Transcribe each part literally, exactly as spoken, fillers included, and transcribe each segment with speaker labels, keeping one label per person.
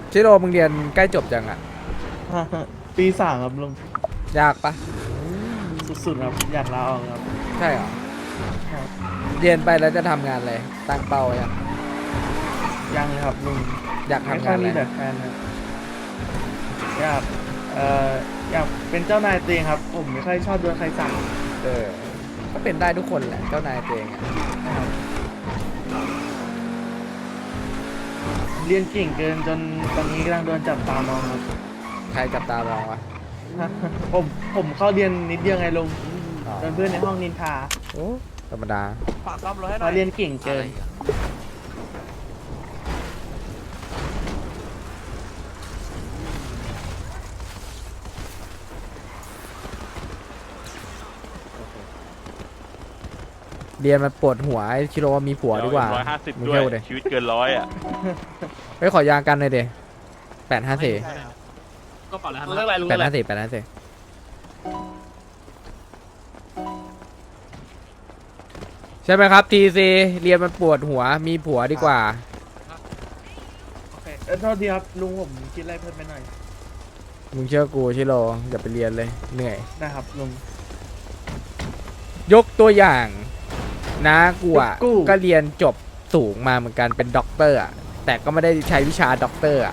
Speaker 1: ชิโร่มึงเรียนใกล้จบยังอ่ะ
Speaker 2: ปีสามครับลุง
Speaker 1: ยากปะ
Speaker 2: สุดๆครับอยากลาออกครับ
Speaker 1: ใช่เหรอ
Speaker 2: ครับ
Speaker 1: เรียนไปแล้วจะทำงานอะไรตั้งเป้ายัง
Speaker 2: ยังเลยครับลุง
Speaker 1: อยาก
Speaker 2: ไม่
Speaker 1: ทำ
Speaker 2: ค่
Speaker 1: งา
Speaker 2: อน ย
Speaker 1: อะไร
Speaker 2: มีแต่แฟนครับอยากเอ่ออยากเป็นเจ้านายตัวเองครับ ผมไม่ค่อยชอบโดนใครสั่ง
Speaker 1: เออก็เป็นได้ทุกคนแหละเจ้านายตัวเองอ่ะ
Speaker 2: นะครับเรียนเก่งเกินจนตอนนี้กำลังโดนจับตามองครับ
Speaker 1: ใครจับตามองวะ
Speaker 2: ผมผมเข้าเรียนนิดเดียวไงลุง
Speaker 1: อ๋อ
Speaker 2: โดนเพื่อนในห้องนินทา
Speaker 1: โอ้ธรรมดา
Speaker 3: ฝากซ่อมรถให้ห
Speaker 2: เพ
Speaker 3: น่อย
Speaker 2: ราะเรียนเก่งเกิน
Speaker 1: เรียนมันปวดหัวไอ้ชิโร่ว่ามีผัวดีกว่า
Speaker 4: ร้อยห้าสิบ
Speaker 1: มึง
Speaker 4: ด้ว
Speaker 1: เที่ยวย เลย
Speaker 4: ชีวิตเกินร้อยอ่ะ
Speaker 1: ไปขอยางกันเลยเดแปดห้าสี่
Speaker 3: ก็เปล่าแล้วเรื่องอะไรรู้
Speaker 1: แปด
Speaker 3: อะไร
Speaker 1: ห้าสี่แปดห้าสี่ใช่ไหมครับทีซีเรียนมันปวดหัวมีผัวดีกว่า
Speaker 2: โอเคเออโทษทีครับลุงผมคิดอะไรเพิ่มไปหน่อย
Speaker 1: มึงเชื่อกูชิโร่อย่าไปเรียนเลยเหนื่อย
Speaker 2: นะครับลุง
Speaker 1: ยกตัวอย่างนะกูอ่ะ
Speaker 2: ยกกู
Speaker 1: ก็เรียนจบสูงมาเหมือนกันเป็นด็อกเตอร์อ่ะแต่ก็ไม่ได้ใช้วิชาด็อกเตอร์อ่ะ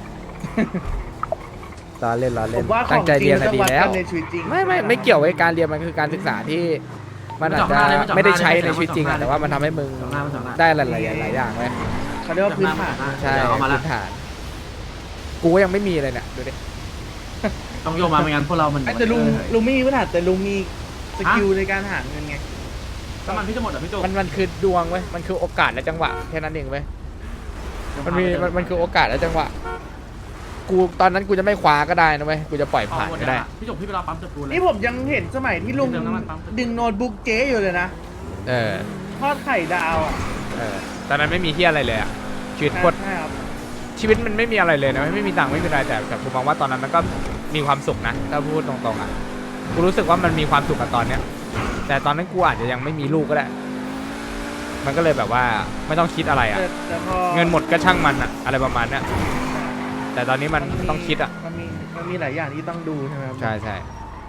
Speaker 1: ล้อเล่นล้อ
Speaker 2: ผ
Speaker 1: เล่น
Speaker 2: มว่าข
Speaker 1: ตั้
Speaker 2: อง ง
Speaker 1: ใจ
Speaker 2: จริ
Speaker 1: เรีย
Speaker 2: ง
Speaker 1: น
Speaker 2: มัน
Speaker 1: น่ะ
Speaker 2: ต้อง
Speaker 1: ดี
Speaker 2: วัด
Speaker 1: แล้
Speaker 2: กั
Speaker 1: วน
Speaker 2: ในชีวิตจริง
Speaker 1: ไม่ไม่ไม่เกี่ยวกับการเรียนมันคือการศึกษาที่มันอาจจะไม่ได้ใช้ในชีวิตจริงอ่ะแต่ว่ามันทำให้มึงได้หลายๆหลายอย่างเลย
Speaker 2: เขาเรียกว่าพื้นฐาน
Speaker 1: ใช่
Speaker 3: เอามาละ
Speaker 1: พื้นฐานกูก็ยังไม่มีเลยเนี่ยดูดิ
Speaker 3: ต้องโยกมาไม่งั้นพวกเรามัน
Speaker 2: ไอ้แต่ลุงลุงไม่มีพื้นฐานแต่ลุงมีสกิลในการหาเงินไง
Speaker 3: น้ำมันพี่จะหมดเหรอพี่จุก
Speaker 1: มันมันคือดวงเว้ยมันคือโอกาสและจังหวะแค่นั้นเองเว้ยมันมีมันมันคือโอกาสและจังหวะกูตอนนั้นกูจะไม่คว้าก็ได้นะเว้ยกูจะปล่อยผ่านก็ได้
Speaker 3: พี่จุกพี่ไปรอปั๊มจับปูเลย
Speaker 2: นี่ผมยังเห็นสมัยที่ลุง
Speaker 3: เติมน้ำมันปั๊ม
Speaker 2: ดึงโน้ตบุ๊กเจ๊อยู่เลยนะ
Speaker 1: เออ
Speaker 2: ทอดไข่ดาวอ่ะ
Speaker 1: เออตอนนั้นไม่มีที่อะไรเลยอ่ะชีวิตโคตร
Speaker 2: ใช่ครับ
Speaker 1: ชีวิตมันไม่มีอะไรเลยนะไม่มีตังค์ไม่มีอะไรแต่แต่กูมองว่าตอนนั้นมันก็มีความสุขนะถ้าพูดตรงๆอ่ะกูรู้สึกว่ามันมีความสุขกับตอนเนี้ยแต่ตอนนั้นกูอาจจะยังไม่มีลูกก็ได้มันก็เลยแบบว่าไม่ต้องคิดอะไรอ่ะ
Speaker 2: แต่แต่พอ
Speaker 1: เงินหมดก็ช่างมันอ่ะอะไรประมาณเนี้ยแต่ตอนนี้มันต้องคิดอ่ะ
Speaker 2: มันมีมันมีหลายอย่างที่ต้องดูใช่ไหมครับ
Speaker 1: ใช่ใช่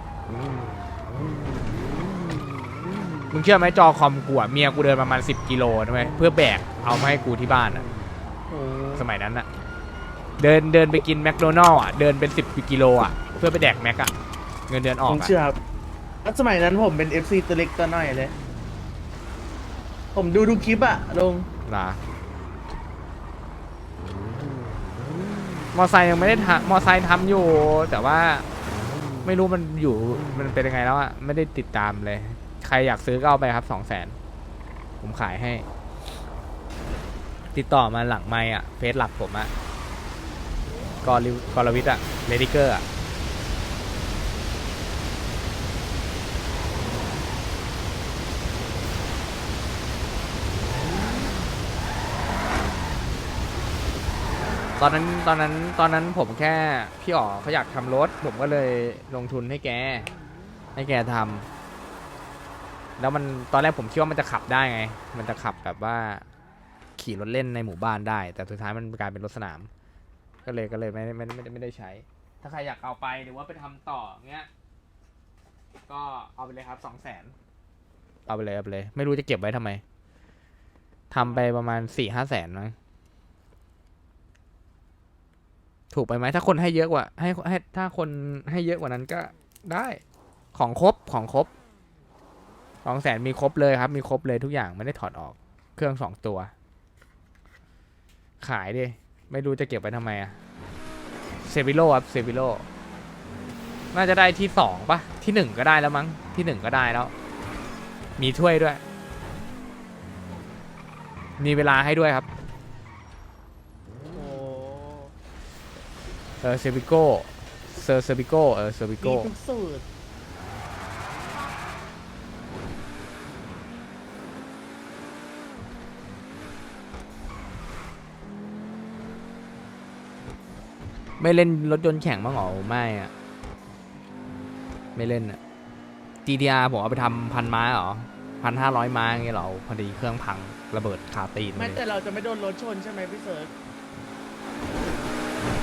Speaker 1: มึงเชื่อไหมจอคอมกูอ่ะเมียกูเดินประมาณสิบกิโลนะเว้ยเพื่อแบกเอามาให้กูที่บ้านอ่ะ
Speaker 2: โอ้
Speaker 1: สมัยนั้นอ่ะเดินเดินไปกินแมคโดนัลล์อ่ะเดินเป็นสิบกิโลอ่ะเพื่อไปแดกแม็กอ่ะเงินเดือนออ
Speaker 2: ผ
Speaker 1: ก
Speaker 2: ม
Speaker 1: อ่ะ
Speaker 2: เชื่อครับแล้วสมัยนั้นผมเป็น เอฟ ซี ตัวเล็กตัวน้อยเลย ผมดูดูคลิปอะลง
Speaker 1: นะมอไซค์ยังไม่ได้ทำมอไซค์ทำอยู่ แต่ว่าไม่รู้มันอยู่มันเป็นยังไงแล้วอ่ะไม่ได้ติดตามเลย ใครอยากซื้อก็เอาไปครับสองแสนผมขายให้ ติดต่อมาหลังไมค์อ่ะเฟซหลักผมอ่ะกอลิวกอลวิทอ่ะเลดิเกอร์อ่ะตอนนั้นตอนนั้นตอนนั้นผมแค่พี่อ๋อเขาอยากทำรถ ผมก็เลยลงทุนให้แก ให้แกทำแล้วมันตอนแรกผมคิดว่ามันจะขับได้ไง มันจะขับแบบว่าขี่รถเล่นในหมู่บ้านได้ แต่สุดท้ายมันกลายเป็นรถสนาม ก็เลยก็เลยไม่ไม่ไม่ไม่ได้ใช้ ถ้าใครอยากเอาไปหรือว่าไปทำต่อเงี้ยก็เอาไปเลยครับสองแสนเอาไปเลยเอาไปเลย ไม่รู้จะเก็บไว้ทำไมทำไปประมาณสี่ห้าแสนมั้งถูกไปไหมถ้าคนให้เยอะกว่าให้ให้ถ้าคนให้เยอะกว่านั้นก็ได้ของครบของครบสองแสนมีครบเลยครับมีครบเลยทุกอย่างไม่ได้ถอดออกเครื่องสองตัว ขายดิไม่รู้จะเก็บไว้ทำไมอะเซฟิโลครับเซฟิโลน่าจะได้ที่สองปะที่หนึ่งก็ได้แล้วมั้งที่หนึ่งก็ได้แล้ว มีถ้วยด้วย มีเวลาให้ด้วยครับ
Speaker 2: โห
Speaker 1: เออเซฟิโก้เซอร์เซฟิโก้เออเซฟิ
Speaker 2: มี
Speaker 1: โก้
Speaker 2: ทุกสูตร
Speaker 1: ไม่เล่นรถยนต์แข่งบ้างเหรอไม่อะไม่เล่นอะ จี ที อาร์ ผมเอาไปทำพันม้าเหรอพันห้าร้อยม้าอย่างเงี้ยเหรอพอดีเครื่องพังระเบิดคาตีน
Speaker 2: ไม่
Speaker 1: เลย
Speaker 2: แต่เราจะไม่โดนรถชนใช่ไหมพี่เซิร์ช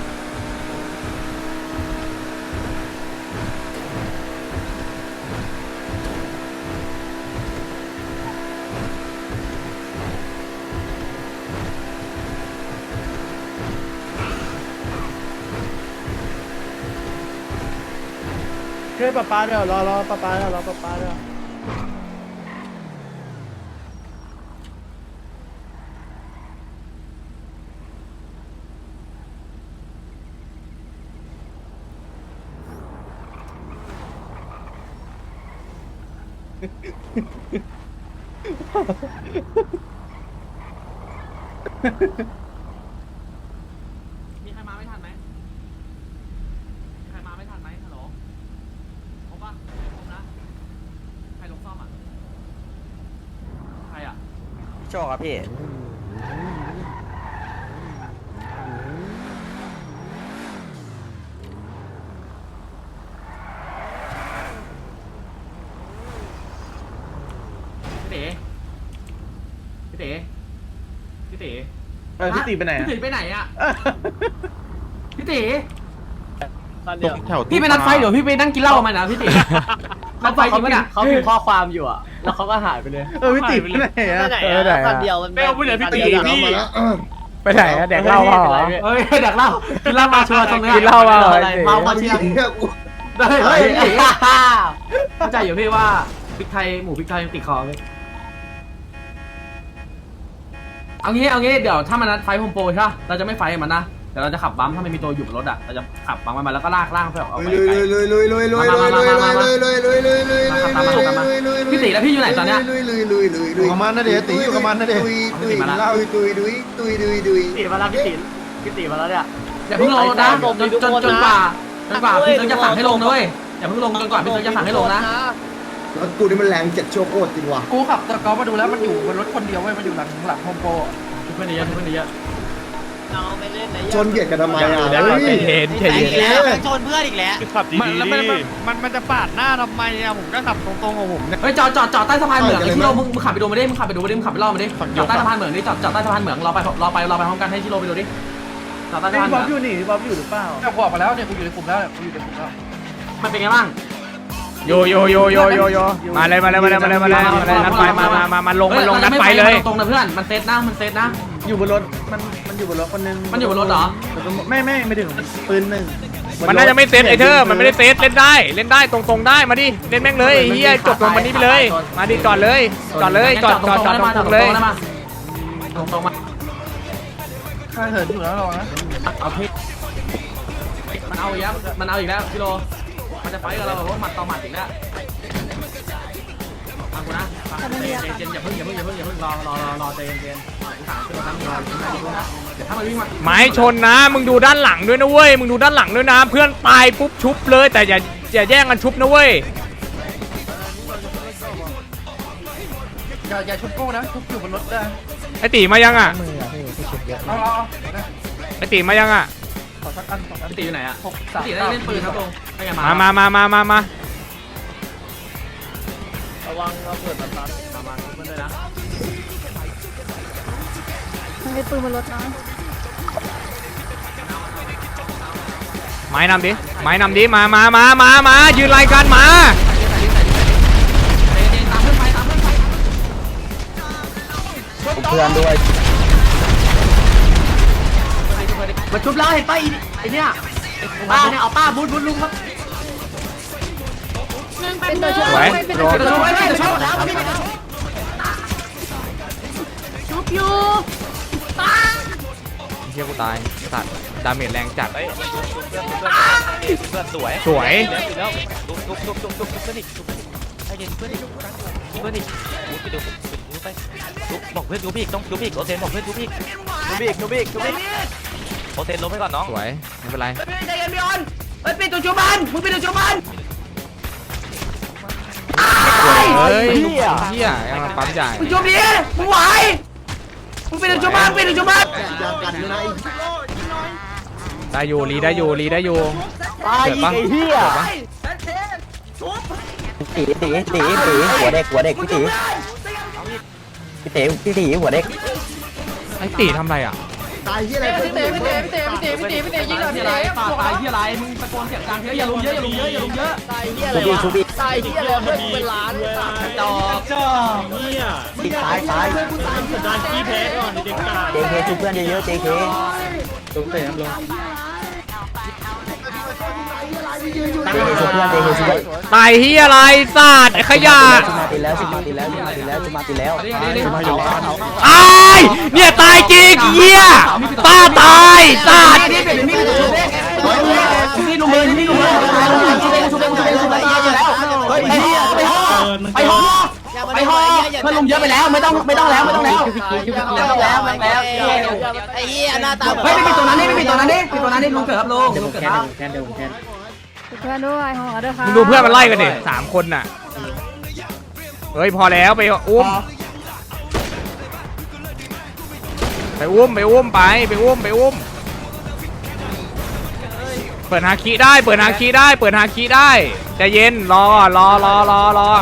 Speaker 2: ช่วยป้าป้าเดี๋ยวรอรอป้าป้าเดี๋ยวรอป้าป้าเดี๋ยว
Speaker 3: มีใครมาไม่ทันไหมมีใครมาไม่ทันไหมฮัลโหลครบปะไม่ครบนะใครลงซ่อมอ่ะใครอ่ะ
Speaker 4: โชคครับพี่
Speaker 3: พี่เต๋พี่เต๋พี่เต๋
Speaker 2: เออพี่ตีไปไหน
Speaker 3: พี่
Speaker 2: อะ
Speaker 3: เต๋ไปไหนอ่ะพี่เต๋
Speaker 5: ตกแถว
Speaker 3: พี่ไปนัดไฟเดี๋ยวพี่ไปนั่งกินเหล้ามานะพี่เต๋นัดไฟจริงปะเนี่ย
Speaker 6: เขาพิมพ์ข้อความอยู่อ่ะ แล้วเขาก็หายไปเลย
Speaker 2: เออพี่ตีไปไหนอะ
Speaker 4: ไหน
Speaker 1: เออไหน
Speaker 4: อะ
Speaker 1: อะ
Speaker 4: คันเดียวมัน
Speaker 3: ไม่เอาพูดเลยพี่ตี
Speaker 4: พี่
Speaker 1: ไปไหนอะแดกเหล้าเปล่าเหรอ
Speaker 3: เฮ้ยเด็กเหล้ากินเหล้ามาชัวร์ตรงเนี้ย
Speaker 1: กินเหล้ามาเหรอ
Speaker 3: อะไรเมามาเชียร์เฮ้ยเฮ้ยเข้าใจอยู่พี่ว่าพริกไทยหมูพริกไทยยังติดคอเลยเอางี้เอางี้เดี๋ยวถ้ามันนัดไฟโฮมโปรใช่ป่ะเราจะไม่ไฟมันนะเดี๋ยวเราจะขับบัมถ้ามันมีตัวอยู่บนรถอ่ะเราจะขับบัมมันมาแล้วก็ลากล่างไปออกไปไกลพี่ตีแล้วพี่อยู่ไหนตอนเนี้ย
Speaker 5: อยู่กับมันนะเดี๋ยวตีอยู่กับมันนะเดี๋ยว
Speaker 3: ตีมาแล้ว
Speaker 6: ตีมาแล้วพี่ตีพี่ตีมาแล้วเนี่ย
Speaker 3: อย่าเพิ่งลงนะจนจนจนกว่าจนกว่าพี่เซิร์ฟจะสั่งให้ลงนะเว้ยอย่าเพิ่งลงจนกว่าพี่เซิร์ฟจะสั่งให้ลงนะ
Speaker 7: รถกูนี่มันแรงเจ็ดโชโคตรจริงว่ะ
Speaker 2: กูขับตะกอมาดูแล้วมันอยู่บนรถคนเดียวเว้ยมันอยู่หลังหลังโฮมโปร
Speaker 3: ทุกคนเยอะทุกคนเยอะ
Speaker 4: น้องไปเล่นไหน
Speaker 7: ชนเบียดกันทำไมอ่ะ
Speaker 1: เดี๋ยว
Speaker 7: เฮ้ย
Speaker 1: ใจเย็นใจเย็น
Speaker 4: แล้วชนเพื่อนอีกแล้ว
Speaker 5: ขับดี
Speaker 8: มันแล้วมันมันมันมันจะปาดหน้าทำไมอะผมก็ขับตรงๆของผมเนี่ย
Speaker 3: เฮ้ยจอดจอดจอดใต้สะพานเหมืองไอ้ที่โรมึงมึงขับไปดูมาดิมึงขับไปดูมาดิมึงขับไปรอบมาดิจอดใต้สะพานเหมืองดิจอดจอดใต้สะพานเหมืองเราไปเราไปเราไปพร้อมกันให้ที่โรไปดูดิจอดใต้สะ
Speaker 2: พี่
Speaker 3: พานเห
Speaker 2: บ๊
Speaker 3: มื
Speaker 2: อ
Speaker 3: อบ ง
Speaker 2: อยู่นี่พี่บ๊อบอยู่หรือเปล่าเนี่ยบอกมาแล้วเนี่ยกูอยู่ในกลุ่มแล้วเนี่ยกูอยู่ในกลุ่มแล้ว
Speaker 3: มันเป็นไงบ้าง
Speaker 1: โยโยโยโยโยโยมาเลยมาเลยมาเลยมาเลยมาเลยมาเลยนัดไฟมามามามาลงมาลงนัดไฟเลย
Speaker 3: ตรงนะเพื่อนมันเซตนะมันเซตนะ
Speaker 2: อยู่บนรถมันมันอยู่บนรถคนนึง
Speaker 3: มันอยู่บนรถเหรอ
Speaker 2: ไม่ไม่ไม่ถึงปืนหนึ่ง
Speaker 1: มันน่าจะไม่เซตไอเธอมันไม่ได้เซตเล่นได้เล่นได้ตรงๆได้มาดิเล่นแม่งเลยเฮียจบตรงวันนี้ไปเลยมาดิจอดเลยจอดเลยจอดจอดจอดตรงๆเลย
Speaker 3: ตรงตรงมา
Speaker 2: ข้าเหินอยู่แล้วรอนะ
Speaker 3: เอาพี่มันเอาอีกแล้วมันเอาอีกแล้วพี่โรมันจะไฟกับเราแบบว่าหมัดต่อหมัดอีกแล้วฟังกูนะฟังเจนเจนอย่าเพิ่งอย่าเพิ่งอย่าเพิ่งอย่าเพิ่งรอรอรอรอเจนเจนอุตส่าห์ขึ้นรถน้ำรออยู่นะเดี๋ยวถ้ามันวิ่งมา
Speaker 1: ไม้ชนนะมึงดูด้านหลังด้วยนะเว้ยมึงดูด้านหลังด้วยนะเพื่อนตายปุ๊บชุบเลยแต่อย่าอย่าแย่งกันชุบนะเว้ย
Speaker 2: อย่าอย่าชนโก้นะชุบอยู่บนรถได้
Speaker 1: ไอตีมายังอ่ะ
Speaker 2: เอาเอาเอา
Speaker 1: ไอตีมายังอ่ะ
Speaker 2: ขอสักอันสองอัน
Speaker 3: พี่ตีอยู่ไหนอะ
Speaker 2: หกสาม
Speaker 3: พี่ตีได้เล่นปืนครับตรงไม่ไง
Speaker 1: มา
Speaker 3: มา
Speaker 1: มามามามามา
Speaker 4: ระวังเราเปิดประตู
Speaker 3: มามาเพื่อนเลยนะ
Speaker 9: มันมีปืนบนรถนะ
Speaker 1: ไม้นำดิไม้นำดิมามามามามายืนรายการมา
Speaker 3: เจนตามเพื่อนไปตามเพื่อนไป
Speaker 4: เพื่อนด้วย
Speaker 3: มาชุบแล้วเห็นป้าไอเนี่ยป้าเนี่ยเอาป้าบูทบูทลุงครับ
Speaker 9: เป็นตัวชุบ
Speaker 1: สวย
Speaker 9: เป็น
Speaker 1: โด
Speaker 9: ตัวน ชุบ
Speaker 3: ชุบไปชุบแล้วพี่
Speaker 9: ชุบอยู่
Speaker 1: เชี่ยกูตายสัตว์ดาเมจแรงจัด
Speaker 4: เพื่อนสวย
Speaker 1: สวย
Speaker 4: แล้วทุบทุบทุบทุบทุบเพื่อนอีกทุบให้เย็นเพื่อนอีกเพื่อนอีกไปดูดูไปทุบบอกเพื่อนดูพี่ต้องดูพี่โอเทนบอกเพื่อนดูพี่ดูพี่ดูพี่ดูพี่โอเทนลงไปก่อนน้อง
Speaker 1: สวยไม่เป็นไร
Speaker 3: ใจเย็นพี่ออนเฮ้ยปิดตัวชุบมันมึงปิดตัวชุบมัน
Speaker 1: เฮ้ยเฮียยังมาปั๊มใหญ่
Speaker 3: มึงชุบดิมึงไหวมึงปิดตัวชุบมันปิดตัวชุบมัน
Speaker 7: ยากันเลยนะ
Speaker 1: ได้อยู่รีได้อยู่รีได้อยู่
Speaker 4: ตาย
Speaker 1: เกิดปะ
Speaker 4: ไอ้เหี้ยตีตีตีตีหัวเด็กหัวเด็กพี่ตีพี่ตีพี่ตีหัวเด็ก
Speaker 1: ไอตีทำอะไรอ่ะ
Speaker 7: ตายที่อะไร
Speaker 9: พี่เต๋พี่เต๋พี่เต๋พี่เต๋พี่เต๋พี่เต๋ยิงหน่อยพี่
Speaker 3: อะไร
Speaker 9: เต๋
Speaker 3: ป่าตายที่อะไรมึงตะโกนเสียงดังเยอะอย่าลุมเยอะอย่าลุมเยอะอย่าลุมเยอะ
Speaker 9: ตายเหี้ยอะไร
Speaker 4: ชูบี้
Speaker 9: วะ
Speaker 4: ชูบี้
Speaker 9: ตายเหี้ยอะไรเพื่อนกูเป็นล้านตาย
Speaker 3: จอ
Speaker 4: ตีตายตาย
Speaker 8: ดันขี้แพ้ก่อนเด็กกา
Speaker 4: เจเคชูเพื่อนเยอะๆเจเค
Speaker 2: ตุ้มเตะครับลง
Speaker 7: ยืนอยู่
Speaker 1: ตายเฮียอะไรสัตว์ไอ้ขยะ
Speaker 6: ตีแล้วจุมาตีแล้วจุมาตีแล้วจุมาตีแล้ว
Speaker 1: ตายเนี่ยตายจริงเฮียป้าตายสัตว์
Speaker 6: นี่ลุงเลยนี่ลุงเลยชุบเองชุบเองชุบเองชุบเองเยอะแล้วเฮ้ยไปห่อไปห่อไปห่อเพื่อนลุงเยอะไปแล้วไม่ต้องไม่ต้องแล้วไม่ต้องแล้วไม่ต้องแล้วไม่แล้วไอ้เหี้ยหน้าตาเฮ้ยไม่มีตัวนั้นนี่ไม่มีตัวนั้นนี่มีตัวนั้นนี่ลุงเกิดครับลุงลุงเกิดครับ
Speaker 9: เพื่อนด้วยห่อด้วยค่ะ
Speaker 1: มึงดูเพื่อนมันไล่กันดิสามคนน่ะเฮ้ยพอแล้วไปอุ้มไปอุ้มไปอุ้มไปไปอุ้มไปอุ้มเปิดฮาคิได้เปิดฮาคิได้เปิดฮาคิได้ใจเย็นรอรอรอรอรอ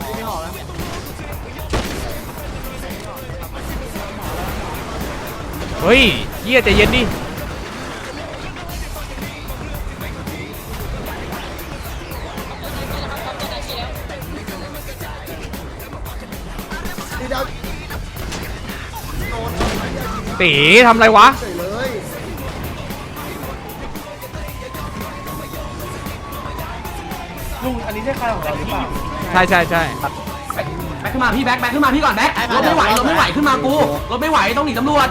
Speaker 1: เฮ้ยเยี่ยใจเย็นดิตีทำอะไรวะ
Speaker 7: ใส่เลย
Speaker 2: ลุงอันนี้ใช่ใครของเราหรือเปล่า
Speaker 1: ใช่ใช่ใช่
Speaker 6: แบ็คขึ้นมาพี่แบ็คแบ็คขึ้นมาพี่ก่อนแบ็ครถไม่ไหวรถไม่ไหวขึ้นมากูรถไม่ไหวต้องหนีตำรวจ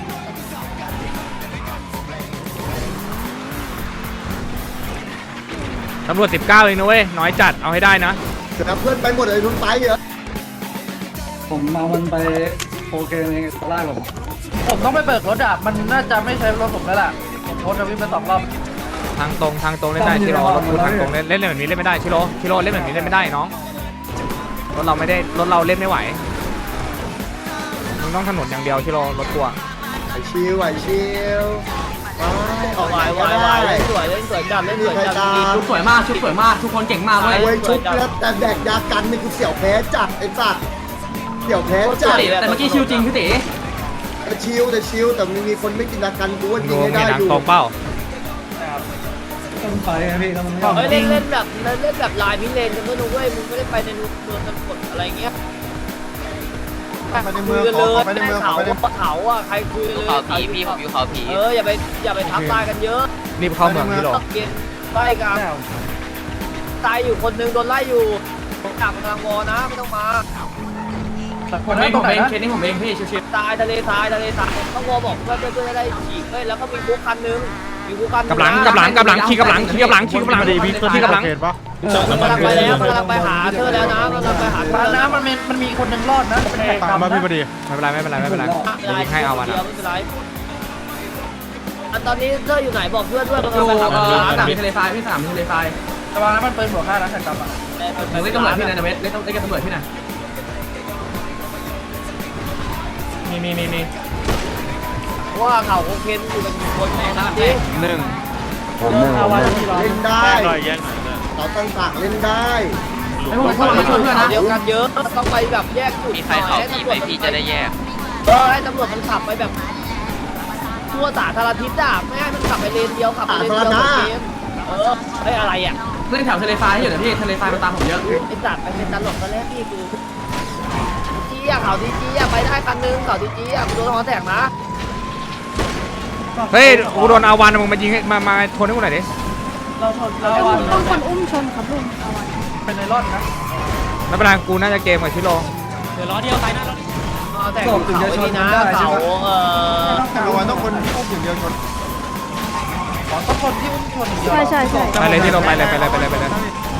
Speaker 1: ตำรวจสิบเก้าเองนะเว้ยน้อยจัดเอาให้ได้นะ
Speaker 7: เดี๋ยวเพื่อนไปหมดเลยทุนไปเหรอ
Speaker 2: ผมมามันไปโอเคในตลาดผม
Speaker 6: ผมต้องไปเบิกรถอ่ะมันน่าจะไม่ใช่รถผมแล้วล่ะผมโพสต์ทวิตไปสองรอบ
Speaker 1: ทางตรงทางตรงเล่นได้ชิโร่รถกูทางตรงเล่นเล่นแบบนี้เล่นไม่ได้ชิโร่ชิโร่เล่นแบบนี้เล่นไม่ได้น้องรถเราไม่ได้รถเราเล่นไม่ไหวมึงต้องถนนอย่างเดียวชิโร่รถกูอะ
Speaker 7: ไหวชิวไหวชิวไปออก
Speaker 6: ไหว
Speaker 7: ไป
Speaker 6: ไหว
Speaker 7: ก็
Speaker 6: ไหว
Speaker 7: ได้
Speaker 6: เล่นสวยเล่นสวยจัดเล่นสวยจัด
Speaker 7: ไม่มีใครตาม
Speaker 6: ชุดสวยมากชุดสวยมากทุกคนเก่งมากเว้ย
Speaker 7: โอ้ยชุบแล้วแต่แดกยากันนี่กูเสี่ยวแพ้จัดไอ้สัตว์เสี่ยวแพ้จัด
Speaker 6: แต่เมื่อกี้ชิวจริงพี่ตี
Speaker 7: แต่ชิวแต่ชิวแต่มีมีคนไม่กินยากันกูว่ายิ
Speaker 1: ดู
Speaker 7: งไม่
Speaker 1: เห็
Speaker 7: ได้
Speaker 1: นทาง
Speaker 7: อยู่
Speaker 1: ตรงเป้า
Speaker 2: ต้องไปครับพี่ต้อง
Speaker 6: เฮ้ยเล่นเล่นแบบเล่นแบบลายพิเรนกันด้วยนะเว้ยมึงไม่ได้ไปในเมืองกันกดอะไรเงี้ย
Speaker 5: ไปในเมือง
Speaker 6: คุยกัน
Speaker 5: ข
Speaker 6: เล
Speaker 5: อย ไปในเมืองขอ
Speaker 6: เขา
Speaker 5: ไปใน
Speaker 6: เขาอ่ะใครคุยกันเลย
Speaker 4: เขาผีพี่ผมอยู่เขาผี
Speaker 6: เอออย่าไปอย่าไปทับตายกันเยอะ
Speaker 1: รีบเข้าเมืองชิโร่
Speaker 6: ต้องเกณฑ์ไล่กันตายอยู่คนนึงโดนไล่อยู่จับกำลังวอนะไม่ต้องมาผมเองผมเองเคสนี้ผมเองพี่ชิวๆตายทะเลทรายทะเลทรายต้องวอบอกเพื่อนเพื่อนได้ฉีกเฮ้ยแล้วก็มีคุกคันนึงมีคุกคัน
Speaker 1: กับหลังกับหลังกับหลังขี่กับหลังขี่กับหลังขี่กับหลังขี่กับหลัง
Speaker 5: เห็นปะ
Speaker 6: กำลังไปแล้วกำลังไปหาเธอแล้วนะกำลังไปหาเธอแล้ว
Speaker 2: มันมีมันมีคนหนึ่งรอดนะเป็นแขก
Speaker 5: ตามมาพี่พอดี
Speaker 1: ไม่เป็นไรไม่เป็นไรไม่เป็นไรเดี๋ยวยิงให้เอาวันนะ
Speaker 6: ไม่เป็นไรตอนนี้เธออยู่ไหนบอกเพื่อนด้วยกำลังไปหาเธอสนามทะเลทรายพี่สนามทะเลทรายระวังนะมันปืนบวกห้านะแข่งกับอ่ะเล่นตำรวจพี่นายเวทเล่นเล่นกับตำรวจพี่นาย
Speaker 1: มีมีมีมี
Speaker 6: ว่าเขาโอเคอยู่กันกี่คนนะจริง
Speaker 1: หนึ่ง
Speaker 7: เล่นได้เราตั้งตากเล่นได้
Speaker 6: ไอ้พวกพวกมาช่วยเพื่อนนะเดียวกันเยอะต้องไปแบบแยกจุด
Speaker 4: มีใครเขาผีไหมพี่จะได้แยก
Speaker 6: เออให้ตำรวจมันขับไปแบบทั่วสาธารณทิศอ่ะไม่ให้มันขับไปเลนเดียวขับไปเลนเดียวเกมเออไอ้อะไรอ่ะเล่นแถวทะเลทรายอยู่นะพี่ทะเลทรายมันตามผมเยอะไอ้สัตว์ไปเป็นตลกตอนแรกพี่กูจี้อ่ะเขาดีจี้อ่ะไปได้คันนึงเขาดีจี้อ่ะกูโดนหอแตกนะ
Speaker 1: เฮ้ยกูโดนอาวันมึงมายิงให้มามาทนให้กูหน่อยดิ
Speaker 2: เราชนเรา
Speaker 9: ต้องคนอุ้มชนครับลุงเอาไว้
Speaker 2: เป็นในรอดนะ
Speaker 1: ไม่เป็นไรกูน่าจะเกมกับชิโร่
Speaker 6: เดี๋ยวล้อเดียวตายหน้ารถเอาแต่ถึงจะชนนะเขาเออ
Speaker 5: เอาไว้ต้องคนที่อุ้มอย่างเดียวชน
Speaker 2: ต้องคนที่อุ้มชน
Speaker 9: ใช่ใช่ใช่
Speaker 1: ไปเลยชิโร่ไปเลยไปเลยไปเลยไปเลย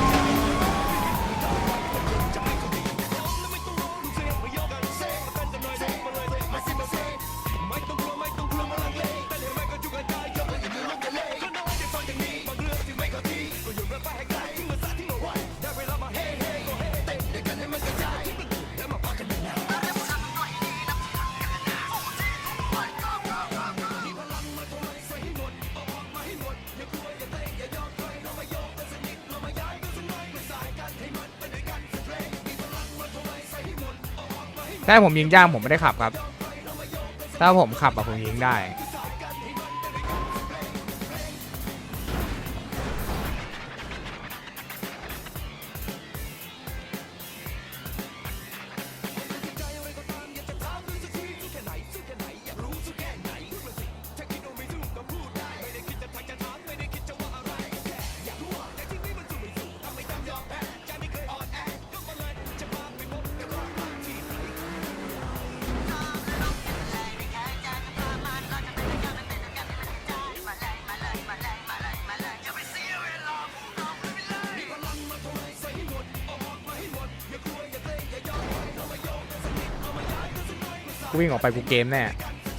Speaker 1: ถ้าผมยิงย่างผมไม่ได้ขับครับ ถ้าผมขับอะผมยิงได้กูวิ่งออกไปกูเกมแน่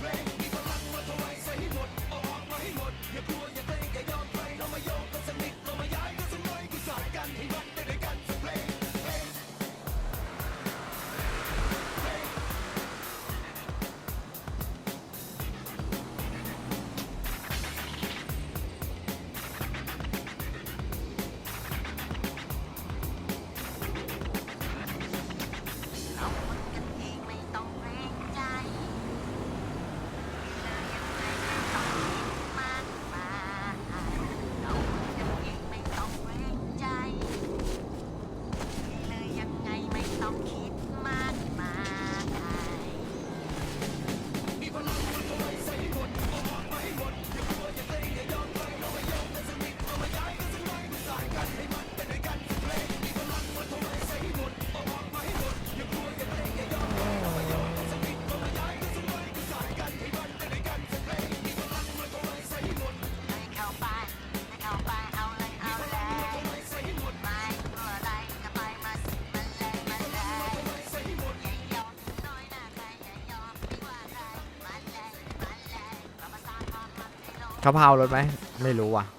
Speaker 1: เขาพาวรถไหมไม่รู้ว่ะ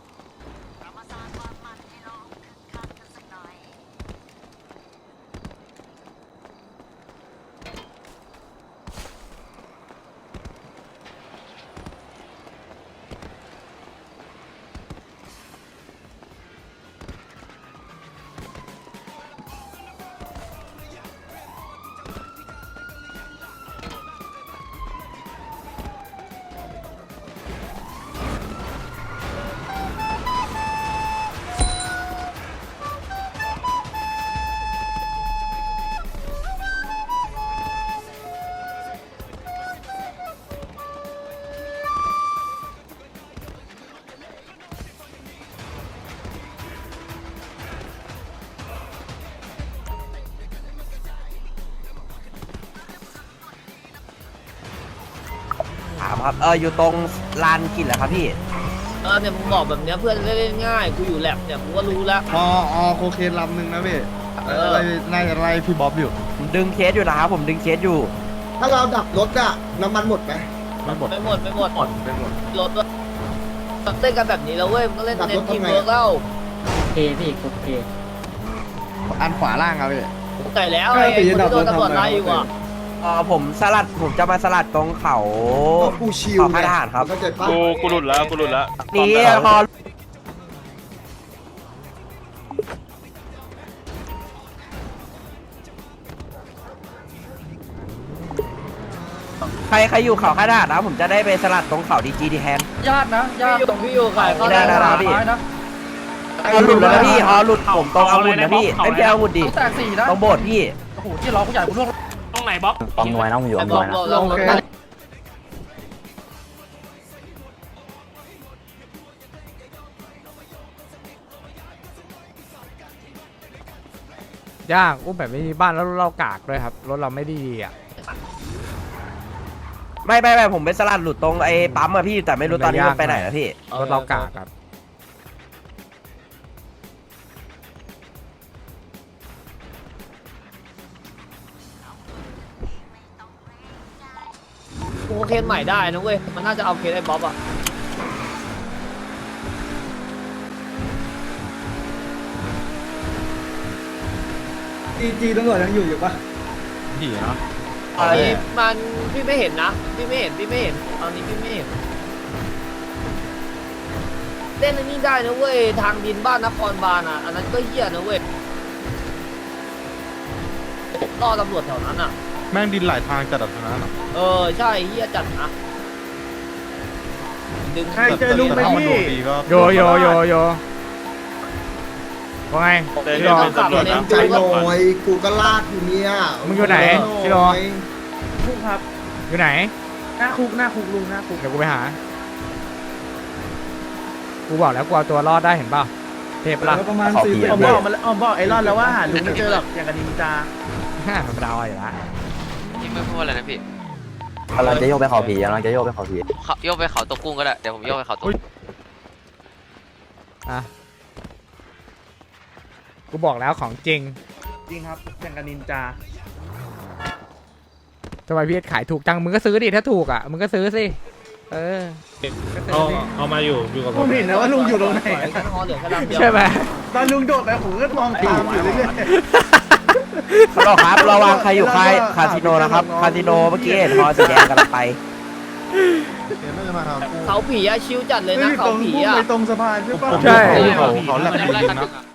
Speaker 4: ถามครับเอออยู่ตรงลานกินเหรอครับพี่
Speaker 6: เออเนี่ยมึงบอกแบบเนี้ยเพื่อนเล่นง่ายกูอยู่แลบเนี่ยกูก็รู้แล้ว
Speaker 5: พอออโคเคนลำหนึ่งนะพี่
Speaker 6: เออ
Speaker 5: ไล่น่าจะไล่พี่บ๊อบอยู่
Speaker 4: ผมดึงเคสอยู่นะครับผมดึงเคสอยู่
Speaker 7: ถ้าเราดับรถอะน้ำมันหมดไหม
Speaker 1: มันหมด
Speaker 6: ไม่หมดไม่หมด
Speaker 1: หมดไปหมด
Speaker 6: รถด้วยเล่นกันแบบนี้แล้วเว้ยมึงก็เล่นเน้นทีมเวิร์กแล้ว
Speaker 5: อันขวาล่างครับพี่
Speaker 6: ไก่แล้วไอ้คนที่โดนตำรวจไล่อยู่อ่ะ
Speaker 4: เออผมสลัดผมจะมาสลัดตรงเขา
Speaker 7: ก็กูชิว
Speaker 4: ขอค่ายทหารครับ
Speaker 7: เข้าใจปะ
Speaker 8: กูกูหลุดแล้วกูหลุดแล้ว
Speaker 4: นี่พอใครใครอยู่เขาค่ายทหารนะผมจะได้ไปสลัดตรงเขาดีจีดีแทน
Speaker 6: ญาตินะญาติตรงพี่อยู่ไก่เขา
Speaker 4: ได้ได้ได้พี่ ฮอหลุดแล้วนะพี่ฮอหลุดผมตรงอาวุธนะพี่ไอ้พี่อาวุธดิ
Speaker 6: แตกสี่นะ
Speaker 4: ตรงโบสถ์พี่
Speaker 6: โอ้โหที่ร้องกูใหญ่กูร่วง
Speaker 3: ตรงไหนบ๊อบ
Speaker 6: ปั๊มน้อยนะผมอยู่ปั๊มน้อยนะลงรถได้
Speaker 1: ยากอุ้มแบบไม่มีบ้านแล้วรถเรากากด้วยครับรถเราไม่ดีอ่ะ
Speaker 4: ไม่ไม่ไม่ผมไปสลัดหลุดตรงไอ้ปั๊มอะพี่แต่ไม่รู้ตอนนี้มันไปไหนแล้วพี่
Speaker 1: รถเรากากครับ
Speaker 6: กูเคนใหม่ได้นะเว้ยมันน่าจะเอาเคนไอ้บ๊อบอ่ะ
Speaker 2: จีจีตำรวจยังอยู่อยู่ปะ
Speaker 1: ดีเนาะ
Speaker 6: ไอ้มันพี่ไม่เห็นนะพี่ไม่เห็นพี่ไม่เห็นตอนนี้พี่ไม่เห็นเล่นอันนี้ได้นะเว้ยทางดินบ้านนครบาลอ่ะอันนั้นก็เหี้ยนะเว้ยล่อตำรวจแถวนั้นอ่ะ
Speaker 5: แม่งดินหลายทางจัดแบบนั้นหรอ
Speaker 6: เออใช่เหี้ยจัดนะดึง
Speaker 2: ใครเจอลุงไปที่
Speaker 1: โยโยโยโยว่าไง
Speaker 6: พี่รอขับเลน
Speaker 7: ใจ
Speaker 6: จู
Speaker 7: หน่อยกูก็ลากอยู่เนี่ย
Speaker 1: มึงอยู่ไหนพี่โร
Speaker 2: คุกครับ
Speaker 1: อยู่ไหน
Speaker 2: หน้าคุกหน้าคุกลุงหน้าคุก
Speaker 1: เดี๋ยวกูไปหา กูบอกแล้วกูเอาตัวรอดได้เห็นเปล่าเทพละ
Speaker 2: ประมาณสี่ผมบอกมันผมบอกไอ้รอดแล้วว่าหาลุงไม่เจอหรอกอย่างกับนินจา
Speaker 1: ฮ่าธรรมดาอยู่ละ
Speaker 3: ยังไม่พูดอะไรนะพี่
Speaker 4: กำลังจะโยกไปเขาผีกำลังจะโยกไปเขาผี
Speaker 3: เขาโยกไปเขาตกกุ้งก็ได้เดี๋ยวผมโยกไปเขาตก
Speaker 1: อ่ะกูบอกแล้วของจริง
Speaker 2: จริงครับอย่างกับนินจา
Speaker 1: ทำไมพี่เอสขายถูกจังมึงก็ซื้อดิถ้าถูกอ่ะมึงก็ซื้อสิเออก็ซื้
Speaker 2: เอา
Speaker 1: อสิ
Speaker 2: เอามาอยู่อยู่กับผมเห็นนะว่าลุงอยู่ตรงไหน
Speaker 6: กันฮอเหลือแค่ลำเดียว
Speaker 1: ใช่ไหม
Speaker 2: ตอนลุงโดดไปผมก็มองตามอยู่เรื่อย
Speaker 4: ฮัลโหลครับระวังใครอยู่ค่ายคาสิโนนะครับคาสิโนเมื่อกี้เห็นฮอสีแดงกำลังไป
Speaker 5: เดี๋ยวน่าจะมาหากู
Speaker 6: เขาผีอะชิวจัด
Speaker 2: ๆ
Speaker 6: เลยนะ
Speaker 2: ตร
Speaker 6: เขา
Speaker 2: ง
Speaker 6: ผี
Speaker 2: พุ่ง
Speaker 6: อะ
Speaker 2: ไปตรงสะพานใช่ปะ
Speaker 1: ใช่
Speaker 5: เขาเขาแหลกจริงนะ